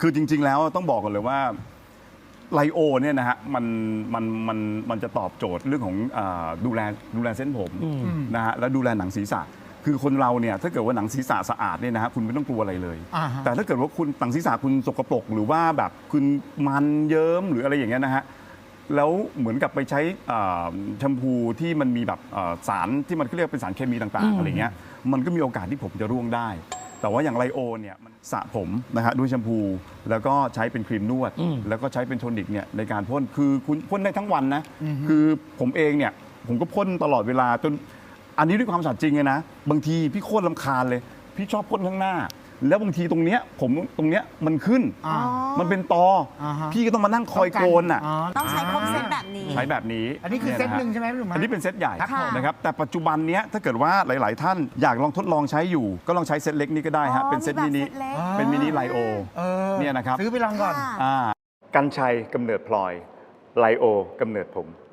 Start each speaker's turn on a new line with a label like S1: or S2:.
S1: คือจริงๆแล้วต้องบอกกันเลยว่าไลโอเนี่ยนะฮะมันจะตอบโจทย์เรื่องของดูแลเส้นผมนะฮะแล้วดูแลหนังศีรษะคือคนเราเนี่ยถ้าเกิดว่าหนังศีรษะสะอาดเนี่ยนะฮะคุณไม่ต้องกลัวอะไรเลยแต่ถ้าเกิดว่าคุณหนังศีรษะคุณสกปรกหรือว่าแบบคุณมันเยิ้มหรืออะไรอย่างเงี้ยนะฮะแล้วเหมือนกับไปใช้แชมพูที่มันมีแบบสารที่มันเรียกเป็นสารเคมีต่างๆอะไรเงี้ยมันก็มีโอกาสที่ผมจะร่วงได้แต่ว่าอย่างไลโอเนี่ยมันสระผมนะฮะด้วยแชมพูแล้วก็ใช้เป็นครีมนวดแล้วก็ใช้เป็นโทนิกเนี่ยในการพ่นคือคุณพ่นได้ทั้งวันนะคือผมเองเนี่ยผมก็พ่นตลอดเวลาจนอันนี้ด้วยความสัตย์จริงเลยนะบางทีพี่โคตรรำคาญเลยพี่ชอบพ่นข้างหน้าแล้วบางทีตรงเนี้ยผมตรงเนี้ยมันขึ้นมันเป็นตอพี่ก็ต้องมานั่งคอยโกนอ่ะ
S2: ต้องใช้ครบเซตแบบนี้
S1: ใช้แบบนี้
S3: อันนี้คือเซตหนึ่งใช่ไหมพี่หนุ่มอั
S1: นนี้เป็นเซตใหญ่
S2: ค่ะ
S1: นะครับแต่ปัจจุบันเนี้ยถ้าเกิดว่าหลายๆท่านอยากลองทดลองใช้อยู่ก็ลองใช้เซตเล็กนี้ก็ได้ฮะเป็นเซตมินิเป็นมินิไลโอเนี่ยนะครับ
S3: ซื้อไปลองก่อน
S1: กัญชัยกำเนิดพลอยไลโอกำเนิดผม